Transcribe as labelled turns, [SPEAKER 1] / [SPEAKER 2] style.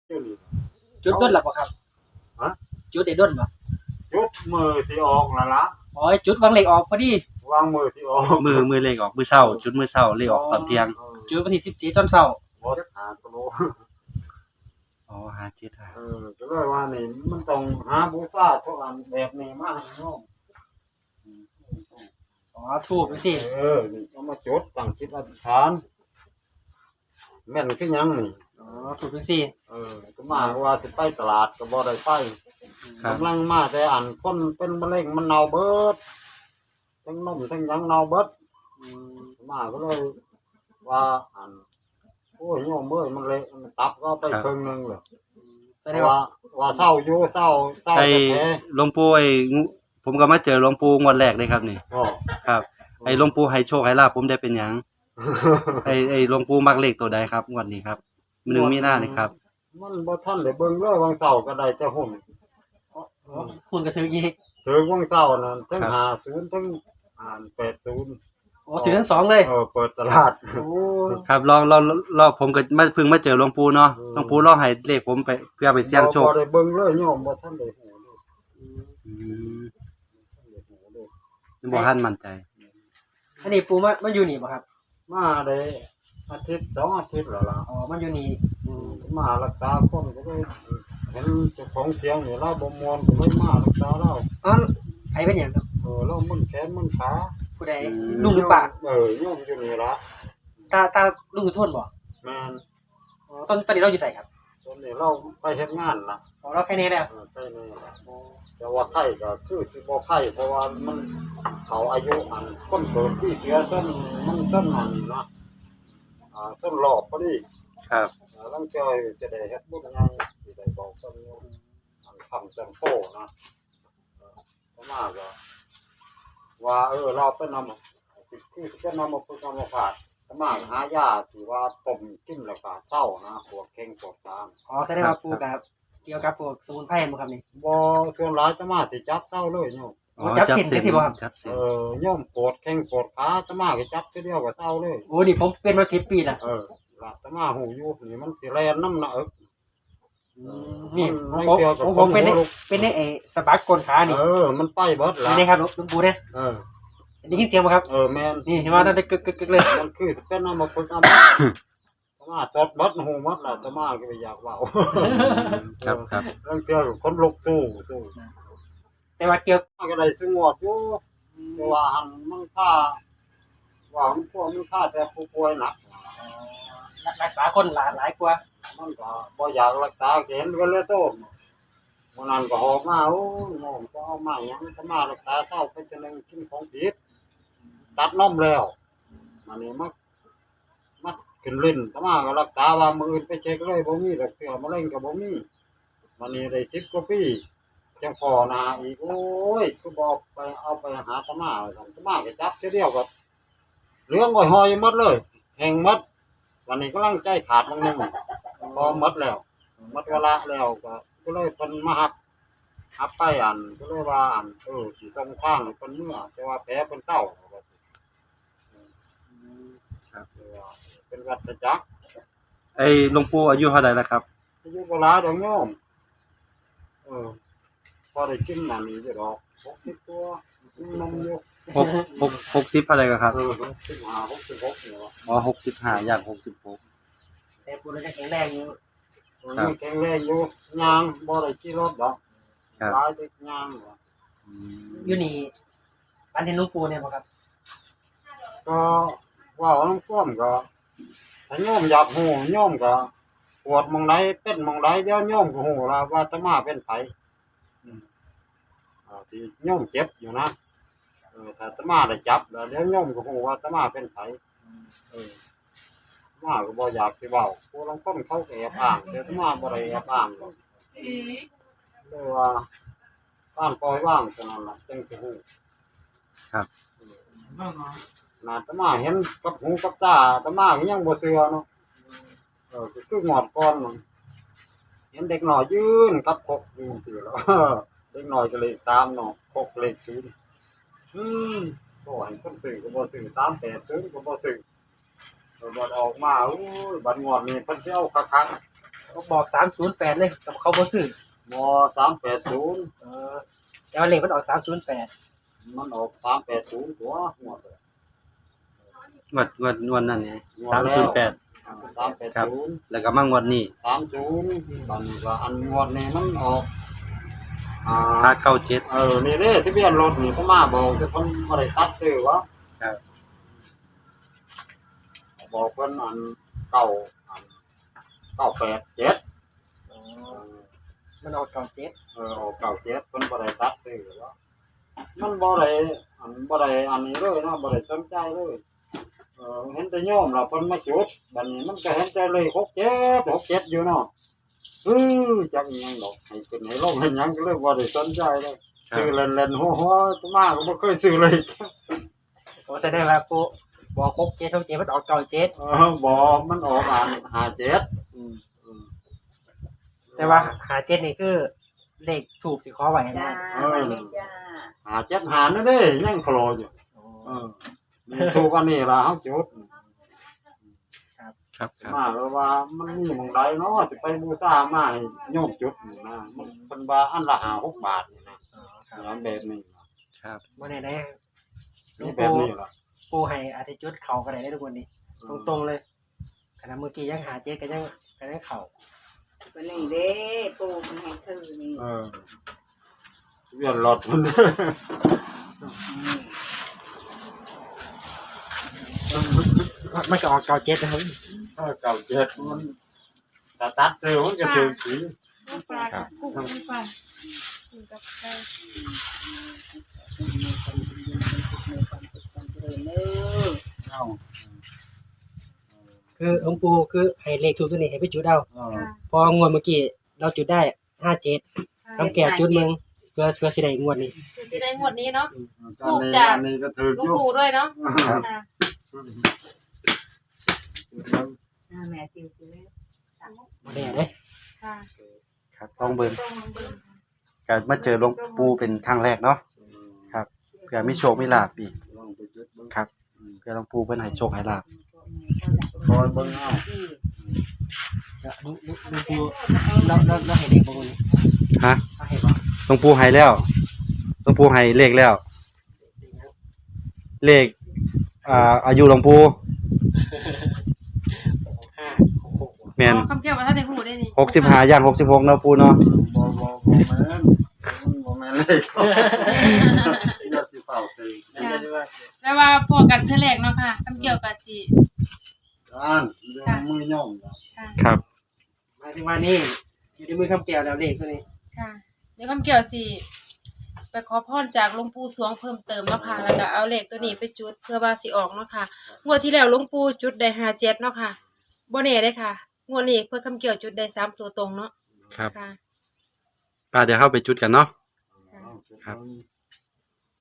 [SPEAKER 1] จุดด้นหลับบ่ครับ
[SPEAKER 2] ฮะ
[SPEAKER 1] จุดได้ด้นบ่
[SPEAKER 2] จุดมือที่ออกนั่นละ
[SPEAKER 1] อ๋อจุดวางเหล็กออกพอดี
[SPEAKER 2] วางมือที่ออก
[SPEAKER 3] มือเลขออกมือเช้าจุดมือเช้าเลขออกตอนเที่ยง
[SPEAKER 1] จุดวันที่14ตอนเช้า
[SPEAKER 2] บ่ได้หาตัวโล
[SPEAKER 3] อ๋อ57หา
[SPEAKER 2] ก็เลยว่านี่มันต้องหาบูชาทุกอันแบบนี้มาให้น้อง
[SPEAKER 1] อ๋อถูกจังซี่
[SPEAKER 2] นี่เอามาจุดตั้งจิตอธิษฐานแม่นคือหยังนี่
[SPEAKER 1] อ๋อถูกจังซี่
[SPEAKER 2] ก็มาว่าสิไปตลาดก็บ่ได้ไปกำลังมาแต่อันคนเป็นมะเร็งมันเน่าเบิดทั้งนมทั้งหยังเน่าเบิดมาก็เลยว่าอันโอ้ยโยมเอ้ยมันเละมันตับก็ไปครึ่งนึงเลยว่าเศร้าอยู่เศร้า
[SPEAKER 3] ไอ้หลวงปู่ผมก็มาเจอหลวงปู่งวดแรกเลยครับนี่ครับไอ้หลวงปู่ให้โชคให้ลาภผมได้เป็นหยังไอ้หลวงปู่มักเลขตัวใดครับงวดนี้ครับ1มีนานี่ครับ
[SPEAKER 2] มันบ่ทันได้เบิ่งเลยวังเช้าก็ได้แต่หุ่น
[SPEAKER 1] หุ่นก็ถืออีก
[SPEAKER 2] ถือวังเช้านั่นทั้ง50ทั้ง80
[SPEAKER 1] โอ้ถือทั้ง2เลย
[SPEAKER 2] เปิดตลาด
[SPEAKER 1] โอ้
[SPEAKER 3] ครับรอผมก็เพิ่งมาเจอหลวงปู่เนาะหลวงปู่รอให้เลขผมไปเพื่อไปเสี่ยงโชค
[SPEAKER 2] บ่ได้เบิ่งเลยโยมบ่ทันได้ฮู้เลย
[SPEAKER 3] บ่ทันมั่นใจ
[SPEAKER 1] อันนี้ปู่มาอยู่นี่บ่ครับ
[SPEAKER 2] มาได้อาทิตย์2อาทิตย์แล้วล่ะ
[SPEAKER 1] อ๋อมันอยู่นี่
[SPEAKER 2] มารักษาคนก็เลยเห็นเจ้าของเสียงนี่เราบ่ม่วนก็เลยมารักษาเรา
[SPEAKER 1] อ๋อใครเป็นหยังครับ
[SPEAKER 2] เรามึนแขนมึนขา
[SPEAKER 1] ผู้ใดลุงหรือป้า
[SPEAKER 2] โยมอยู่นี่ล่ะ
[SPEAKER 1] ตาลุงอยู่โทษบ่
[SPEAKER 2] แม่น
[SPEAKER 1] อ๋อตอนนี้เราอยู่ไสครับ
[SPEAKER 2] ตอนนี้เราไปเฮ็ดงานล่ะ
[SPEAKER 1] อ๋อเราแค่นี้แล้ว
[SPEAKER 2] ไปนี่แต่ว่าไข้ก็คือสิบ่ไข้เพราะว่ามันเขาอายุอันคนเกิดที่เสียต้นมันต้นนั่นเนาะต้นรอบพอดี
[SPEAKER 3] ครับ
[SPEAKER 2] ลังจอยจะได้เฮ็ดบุญใหญ่สิได้บอกเพิ่นอันคำจังโตนะมาก็ว่าเราไปนำคือจะนำมาพึ่งมาฝากมาหายาที่ว่าต้มกินแล้วก็เศร้านะปวดแข้งปวดขา
[SPEAKER 1] อ๋อแสดงว่าปู่กับเกี่ยวกับพวกสมุนไพรบ่ครับนี่
[SPEAKER 2] บ่ส่วนหลายจะมาสิจับเศร้าเลยโยม
[SPEAKER 1] จับเส้นจังซี่บ่ครับ
[SPEAKER 2] โยมปวดแข้งปวดขาจะมาก็จับทีเดียวก็เศร้าเลย
[SPEAKER 1] โอ้นี่ผมเป็นมา10 ปีแล้ว
[SPEAKER 2] ล่ะจะมาหูอยู่นี่มันสิแล่นน้ำหนัก
[SPEAKER 1] นี่ผมเป็นไอ้สะบักก้นขานี่
[SPEAKER 2] มันไปเบิดล่ะ
[SPEAKER 1] นี่ครับหลวงปู่เนี่ยได้ยินเสียงบ่ครับ
[SPEAKER 2] แม่น
[SPEAKER 1] นี่เห็นว่านั่นได้กึกๆเลย
[SPEAKER 2] มันคือเป็นน้ำมาพึ่งมาจดบัดหูมัดล่ะจะมาก็ไปอยากเว้า
[SPEAKER 3] ครับ
[SPEAKER 2] เรื่องเกี่ยวกับคนลุกสู้
[SPEAKER 1] แต่ว่าเกี่ยว
[SPEAKER 2] ก็ได้สงบอยู่แต่ว่าหันมันค่าว่ามันพวกมันค่าแต่ผู้ป่วยหนัก
[SPEAKER 1] รักษาคนหลายกว่า
[SPEAKER 2] มันก็บ่อยากรักษาเห็นกันเลยโตมื้อนั้นก็หอบมาโอ้น้องก็เอามาหยังก็มารักษาเจ้าไปจังนึงกินของผิดตัดนมแล้วมันนี่มาขึ้นลิ้นก็มาก็รักษาว่ามื้ออื่นไปเช็คเลยบ่มีดอกเสือมะเร็งก็บ่มีมันนี่ได้10กว่าปีจังพอนาอีกโอ้ยคือบ่ไปเอาไปหาตมาซั่นตมาก็จับเทื่อเดียวก็เหลืองหอยหมดเลยแห้งหมดวันนี้กำลังใจขาดบางนึงพอหมดแล้วหมดเวลาแล้วก็เลยเพิ่นมาหับไปอันก็เลยว่าอันสิส่งทางเพิ่นเมื่อแต่ว่าแผลเพิ่นเศร้า
[SPEAKER 3] ครับ
[SPEAKER 2] เป็นวัฏจักร
[SPEAKER 3] ไอ้หลวงปู่อายุเท่าใดแล้วครับ
[SPEAKER 2] อายุบ่หลายดอกโยมพอได้กินนั่นนี่สิดอก60ตัวนมอยู่
[SPEAKER 3] 60อะไรกันครับ
[SPEAKER 2] 65 66นี่ว่า
[SPEAKER 3] อ๋อ65อย่าง66
[SPEAKER 1] แต่ปู่ยังแข็งแรงอยู่
[SPEAKER 2] แข็งแรงอยู่ย่างบ่ได้ขี่รถดอกหลายแต่ย่าง
[SPEAKER 1] อยู่นี่บ้านเห็นหลวงปู่เนี่ยบ่ครับ
[SPEAKER 2] ก็ว่าน้องท่วมก็ถ้าโยมอยากฮู้โยมก็ปวดหม่องใดเป็นหม่องใดเดี๋ยวโยมก็ฮู้ล่ะว่าอาตมาเป็นไผที่โยมเจ็บอยู่นะถ้าอาตมาได้จับแล้วเดี๋ยวโยมก็ฮู้ว่าอาตมาเป็นไผมาก็บ่อยากสิเว้าผู้ลางคนเขาก็แอบอ้างแต่อาตมาบ่ได้แอบอ้างเลยว่าการปล่อยวางเท่านั้นล่ะจังสิฮู้
[SPEAKER 3] ครับ
[SPEAKER 2] อาตมาเห็นกับหูกับตาอาตมาก็ยังบ่เชื่อเนาะก็คืองอดก่อนเห็นเด็กน้อยยืนกับคกอยู่ซื่อแล้วเด็กน้อยก็เลข3เนาะคกเลข0ก็ให้คนซื้อก็บ่ซื้อ380ก็บ่ซื้อบัดออกมาโอ้ยบัดงวดนี้เพิ่นสิเอาคัก
[SPEAKER 1] บอก308เลยกับเขาบ่ซื้อ
[SPEAKER 2] ม380
[SPEAKER 1] แต่ว่าเลขมันออก308
[SPEAKER 2] มันออก380ตัวหัวเลย
[SPEAKER 3] งวดนั่นไง308
[SPEAKER 2] 380
[SPEAKER 3] แล้วก็มางวดนี้
[SPEAKER 2] 30บัดนี้ก็อันงวดนี้มันออก
[SPEAKER 3] 597
[SPEAKER 2] นี่เด้ทะเบียนรถนี่ก็มาบอกแต่เพิ่นบ่ได้ตัดซื้อวะ
[SPEAKER 3] ครับ
[SPEAKER 2] บอกเพิ่นอัน987
[SPEAKER 1] มันออก97
[SPEAKER 2] ออก97เพิ่นบ่ได้ตัดซื้อวะมันบ่ได้อันนี้เลยนะบ่ได้สนใจเลยเห็นแต่โยมล่ะเพิ่นมาจุดบัดนี้มันก็เห็นแต่เลย67อยู่เนาะจักอีหยังดอกให้ขึ้นให้ลงให้หยังก็เลยบ่ได้สนใจเลยซื้อเล่นๆหัวๆตัวมาก็บ่เคยซื้อเลย
[SPEAKER 1] โอ้แสดงว่าปูบอก67มันออก97
[SPEAKER 2] บ่มันออกอัน57
[SPEAKER 1] แต่ว่า57นี่คือเลขถูกที่ขอไว้
[SPEAKER 4] จ้า
[SPEAKER 1] นะ
[SPEAKER 4] มาเลยจ้า
[SPEAKER 2] 57หานั่นเด้ยังคลออยู่นี่ถูกอันนี้ล่ะเฮาจุด
[SPEAKER 3] ครับ
[SPEAKER 2] มาแล้วว่ามันมีหม้องใดเนาะสิไปบูชามาให้โยมจุดนี่นะมันเพิ่นว่าอันละ5-6 บาทนี่นะแบบนี้
[SPEAKER 3] ครับ
[SPEAKER 1] บ่แน่ได้หลว
[SPEAKER 2] นี่
[SPEAKER 1] ง
[SPEAKER 2] แบบนี้ล่ะ
[SPEAKER 1] ปู่ให้อาทิตย์จุดเข้าก็ได้ทุกคนนี่ตรงๆเลยขณะเมื่อกี้ยัง57ก็ยังเข้า
[SPEAKER 4] วันนี้เด้ปูมันให้ซื้อนี่
[SPEAKER 2] เวียนรถมัน
[SPEAKER 1] มันก็ออก97นะครับ
[SPEAKER 2] 97มันตัดซื้อมันก็ถือสี
[SPEAKER 3] ครับ
[SPEAKER 4] ปูมันไปกับใคร
[SPEAKER 2] เอา
[SPEAKER 1] คือหลวงปู่คือให้เลขถูกตัวนี้ให้ไปจุดเอาพองวดเมื่อกี้เราจุดได้57คำแก่จุดมึงเพื่อสิได้งวดนี้
[SPEAKER 5] จะได้งวดนี้เนาะ
[SPEAKER 2] อันนี้ก็ถือ
[SPEAKER 5] หลู
[SPEAKER 2] อก ยู่
[SPEAKER 5] ปู่ด้วยเนาะค่ะ
[SPEAKER 4] แม่ติวติว
[SPEAKER 1] บ่แน่เด้
[SPEAKER 5] ค่ะ
[SPEAKER 3] ครับต้องเบิ่ง
[SPEAKER 5] ต้องเบิ่ง
[SPEAKER 3] ก็มาเจอหลวงปู่เป็นครั้งแรกเนาะครับเพื่อมีโชคมีลาภอีก
[SPEAKER 2] ลองไปจุดเบิ่ง
[SPEAKER 3] ครับเพื่อหลวงปู่เพิ่นให้โชคให้ลาภ
[SPEAKER 2] คอยเบิ่งเอา
[SPEAKER 1] ก็หลวงปู่เราให้เลขบ่มื้อนี้
[SPEAKER 3] ฮะ
[SPEAKER 1] เอาให้บ่
[SPEAKER 3] หลวงปู่ให้แล้วหลวงปู่ให้เลขแล้ว เลขอายุหลวงปู่แม่น
[SPEAKER 5] คำแก้วว่าท่านได้พูดได้นี่
[SPEAKER 3] 65ย่าง66เนาะปู่เนาะ
[SPEAKER 2] บ่แม่นเลยอย่าสิเฝ้าซื้อ
[SPEAKER 5] แล้วว่าพอกันเทื่อแรกเนาะค่ะคำเกี่ยวกับสิ
[SPEAKER 2] อ่านเรื่องมือย่อม
[SPEAKER 3] ครับ
[SPEAKER 1] หมายถึงว่านี่อยู่ในมือคำแก้วแล้วเลขตัวนี้
[SPEAKER 5] ค่ะเดี๋ยวคำเกี่ยวสิไปขอพรจากหลวงปู่สวงเพิ่มเติมเนาะค่ะแล้วก็เอาเลขตัวนี้ไปจุดเพื่อว่าสิออกเนาะค่ะงวดที่แล้วหลวงปู่จุดได้57เนาะค่ะบ่แน่เด้ค่ะงวดนี้เพิ่นคำเกี่ยวจุดได้3ตัวตรงเนาะ
[SPEAKER 3] ครับ
[SPEAKER 5] ค่ะ
[SPEAKER 3] เดี๋ยวเข้าไปจุดกันเนาะ ครับ